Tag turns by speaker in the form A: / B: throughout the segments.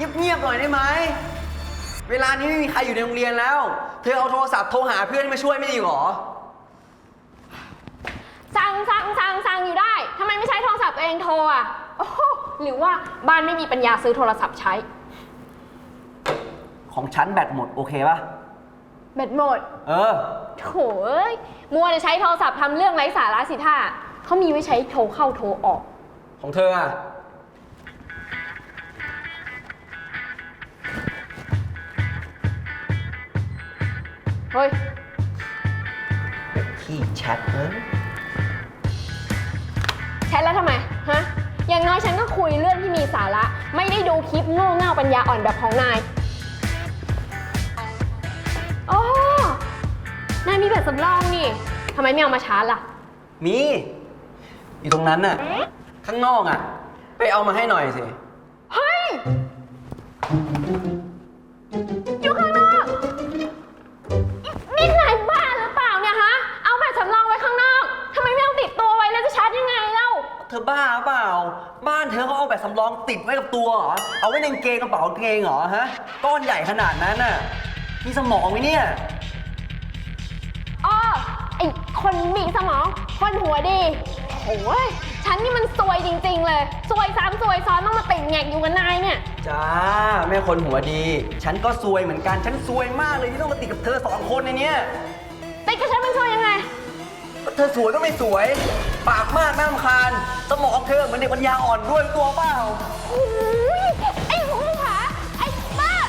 A: เงียบๆหน่อยได้ไหมเวลานี้ไม่มีใครอยู่ในโรงเรียนแล้ว เธอเอาโทรศัพท์โทรหาเพื่อนมาช่วยไม่ดีหรอ
B: สั่งอยู่ได้ทำไมไม่ใช้โทรศัพท์ตัวเองโทรอ่ะโอ้โหหรือว่าบ้านไม่มีปัญญาซื้อโทรศัพท์ใช้
A: ของฉันแบตหมดโอเคป่ะ
B: แบตหมด
A: โ
B: ถมัวจะใช้โทรศัพท์ทำเรื่องไร้สาระสิท่าเขามีไว้ใช้โทรเข้าโทรออก
A: ของเธออ่ะ
B: เฮ้ย
A: ที่แชท
B: แชทแล้วทำไมฮะอย่างน้อยฉันก็คุยเรื่องที่มีสาระไม่ได้ดูคลิปโง่เง่าปัญญาอ่อนแบบของนายโอ้นายมีแบตสำรองนี่ทำไมไม่เอามาชาร์จล่ะ
A: มีอยู่ตรงนั้นน่ะข้างนอกอ่ะไปเอามาให้หน่อยสิ
B: เฮ้ยอยู่ข้างนอกนี่นายบ้าหรือเปล่าเนี่ยฮะเอาแบตสำรองไว้ข้างนอกทำไมไม่เอาติดตัวไว้แล้วจะชาร์จยังไงเล่า
A: เธอบ้าเปล่าบ้านเธอเขาเอาแบตสำรองติดไว้กับตัวเหรอเอาไว้ในกางเกงกระเป๋ากางเกงเหรอฮะก้อนใหญ่ขนาดนั้นน่ะมีสมองไหมเนี่ย
B: อ้อไอคนมีสมองคนหัวดีโอ้ยฉันนี่มันซวยจริงๆเลยซวยซ้ำซวยซ้อนต้องมาติดแงกอยู่กับนายเนี่ย
A: จ้าแม่คนหัวดีฉันก็ซวยเหมือนกันฉันซวยมากเลยที่ต้องมาติดกับเธอ2 คนในเนี้ย
B: ติดกับฉันมันซวยยังไง
A: เธอสวยก็ไม่สวยปากมากน่ารำคาญสมองเธอเหมือนเด็กปัญญาอ่อนด้วยตัวเปล่า
B: ไอ้หูผาไอ้บ้า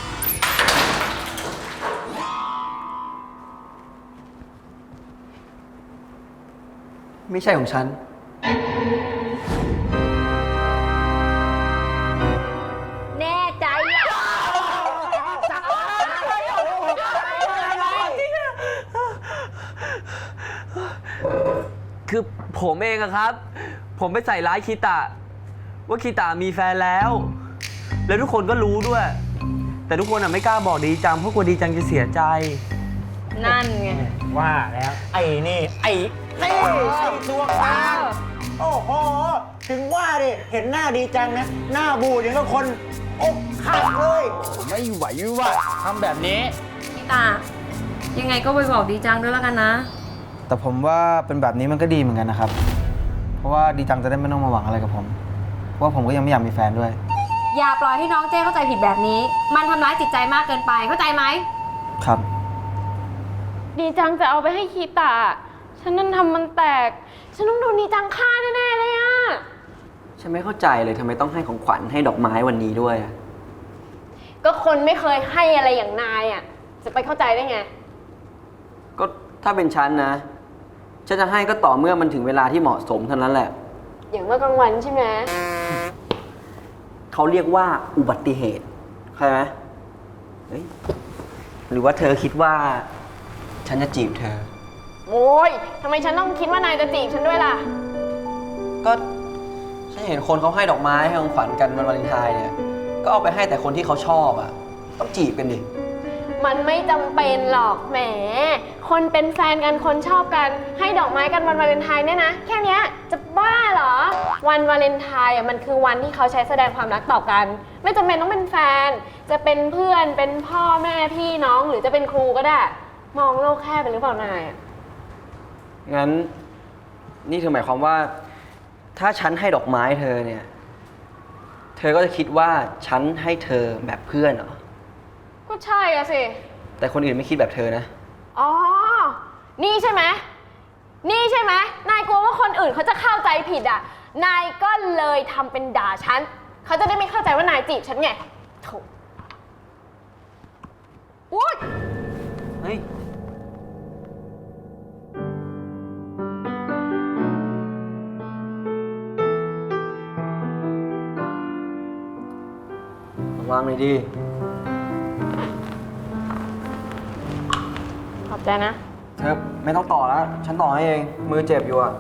A: ไม่ใช่ของฉัน
B: แน่ใจอ่ะ
C: คือผมเองอะครับผมไปใส่ร้ายคีตะว่าคีตะมีแฟนแล้วทุกคนก็รู้ด้วยแต่ทุกคนอะไม่กล้าบอกดีจังเพราะกลัวดีจังจะเสียใจ
B: นั่นไง
D: ว่าแล้วไอ้นี่ไอ้ตัวกลางโอ้โหถึงว่าดิเห็นหน้าดีจังนะหน้าบูดอย่างกับคนอกหักเลยไม่ไหวว่ะทำแบบนี้
E: พี่ตายังไงก็ไปบอกดีจังด้วยแล้วกันนะ
F: แต่ผมว่าเป็นแบบนี้มันก็ดีเหมือนกันนะครับเพราะว่าดีจังจะได้ไม่ต้องมาหวังอะไรกับผมเพราะว่าผมก็ยังไม่อยากมีแฟนด้วย
E: อย่าปล่อยให้น้องเจ้เข้าใจผิดแบบนี้มันทำร้ายจิตใจมากเกินไปเข้าใจไหม
F: ครับ
B: ดีจังจะเอาไปให้คีตะฉันนั่นทำมันแตกฉันต้องโดนดีจังฆ่าแน่ๆเลยอะ
A: ฉันไม่เข้าใจเลยทำไมต้องให้ของขวัญให้ดอกไม้วันนี้ด้วย
B: ก็คนไม่เคยให้อะไรอย่างนายอะจะไปเข้าใจได้ไง
A: ก็ถ้าเป็นฉันนะฉันจะให้ก็ต่อเมื่อมันถึงเวลาที่เหมาะสมเท่านั้นแหละ
B: อย่างเมื่อกลางวันใช่ไหม
A: เขาเรียกว่าอุบัติเหตุใช่ไหมหรือว่าเธอคิดว่าฉันจะจีบเธอ
B: โอ้ยทำไมฉันต้องคิดว่านายจะจีบฉันด้วยล่ะ
A: ก็ฉันเห็นคนเขาให้ดอกไม้ให้ของขวัญกันวันวาเลนไทน์เนี่ยก็เอาไปให้แต่คนที่เขาชอบอ่ะต้องจีบกันดิ
B: มันไม่จำเป็นหรอกแหมคนเป็นแฟนกันคนชอบกันให้ดอกไม้กันวันวาเลนไทน์เนี่ยนะแค่นี้จะบ้าเหรอวันวาเลนไทน์อ่ะมันคือวันที่เขาใช้แสดงความรักต่อกันไม่จำเป็นต้องเป็นแฟนจะเป็นเพื่อนเป็นพ่อแม่พี่น้องหรือจะเป็นครูก็ได้มองโลกแคบไปหรือเปล่านาย
A: งั้นนี่เธอหมายความว่าถ้าฉันให้ดอกไม้เธอเนี่ยเธอก็จะคิดว่าฉันให้เธอแบบเพื่อนเหรอ
B: ก็ใช่อะสิ
A: แต่คนอื่นไม่คิดแบบเธอนะ
B: อ๋อนี่ใช่ไหมนายกลัวว่าคนอื่นเขาจะเข้าใจผิดอ่ะนายก็เลยทำเป็นด่าฉันเขาจะได้ไม่เข้าใจว่านายจีบฉันไงโถอุ๊ย
A: เฮ้ยวางเลยดิ
B: ขอบใจนะ
A: เธอไม่ต้องต่อแล้วฉันต่อให้เองมือเจ็บอยู่อะ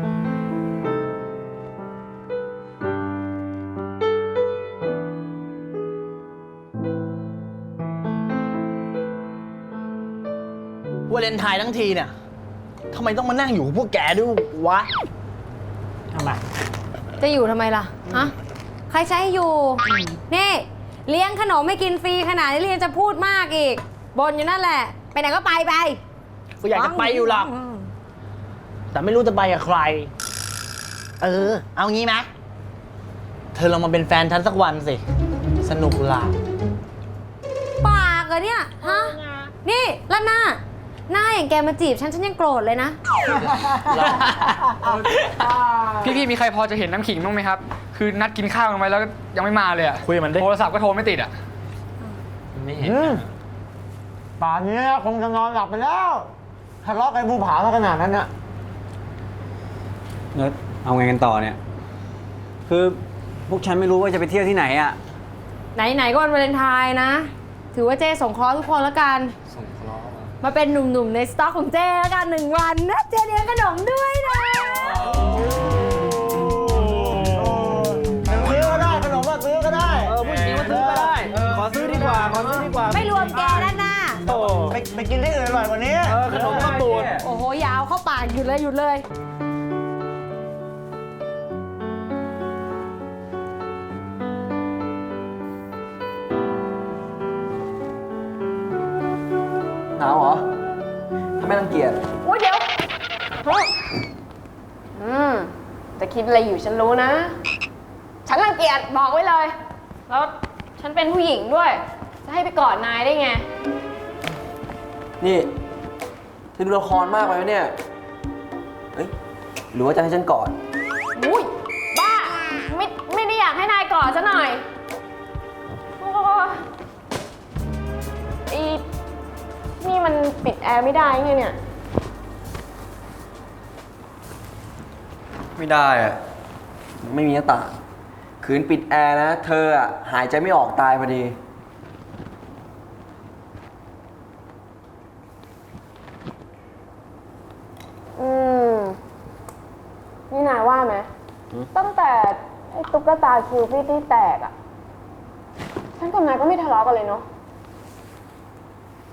D: วาเลนไทน์ทั้งทีเนี่ยทำไมต้องมานั่งอยู่กับพวกแกด้วยวะทำไม
E: จะอยู่ทำไมล่ะฮะใครจะให้อยู่นี่เลี้ยงขนมไม่กินฟรีขนาดนี้เรียนจะพูดมากอีกบ่นอยู่นั่นแหละ ไปไหนก็ไป
D: ก็อยากจะไปอยู่หรอก แต่ไม่รู้จะไปกับใคร เอางี้ไหมเธอลองมาเป็นแฟนฉันสักวันสิ สนุกล่ะ
E: ปากเหรอเนี่ย ฮะ นี่แล้วหน้าอย่างแกมาจีบฉันยังโกรธเลยนะ
G: พี่มีใครพอจะเห็นน้ำขิงบ้างไหมครับ คือนัดกินข้าวกันไว้แล้วยังไม่มาเลยอะ
D: คุยกับมันดิ
G: โทรศัพท์ก็โทรไม่ติดอะ
C: ไม่เห็น
D: ป่านนี้คงจะนอนหลับไปแล้วทะเลาะกันภูผาขนาดนั้นน่ะ
H: แล้วเอาไงกันต่อเนี่ย คือพวกฉันไม่รู้ว่าจะไปเที่ยวที่ไหนอ่ะ
E: ไหนๆก็วันวาเลนไทน์นะ ถือว่าเจ้สงเคราะห์ทุกคนแล้วกัน มาเป็นหนุ่มๆในสต็อกของเจ้แล้วกัน1 วันนะ เจ้เลี้ยงขนมด้วยนะ
D: ซื้อก็ได้ขนมก็ซื้อก็ได้
H: ผู้หญิงมาซื้อก็ได้ ขอซื้อดีกว่า
E: ไม่รวมแกด้านหน้า
D: ไปกินที่อื่นอร่อยกว่านี้
H: ขนมข้าวตูน
E: โอ้โห ยาวเข้าปากหยุดเลย
A: หนาวเหรอถ้าไม่รังเกียจ
B: โอ้ยเดี๋ยวจะคิดอะไรอยู่ฉันรู้นะ ฉันรังเกียจบอกไว้เลย แล้วฉันเป็นผู้หญิงด้วย จะให้ไปกอดนายได้ไง
A: นี่เธอดูละครมากไปไหมเนี่ย เฮ้ย หรือว่าจะให้ฉันกอด
B: อุ้ยบ้า ไม่ได้อยากให้นายกอดซะหน่อยโอ้อีนี่มันปิดแอร์ไม่ได้ไงเนี่ย
A: ไม่ได้อะไม่มีหน้าต่างขืนปิดแอร์นะ เธออะหายใจไม่ออกตายพอดี
B: นี่นายว่าไหม ตั้งแต่ไอ้ตุ๊กตาคิวปิดที่แตกอ่ะ ฉันกับนายก็ไม่ทะเลาะกันเลยเนาะ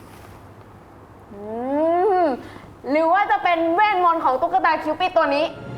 B: หรือว่าจะเป็นเวทมนต์ของตุ๊กตาคิวปิดตัวนี้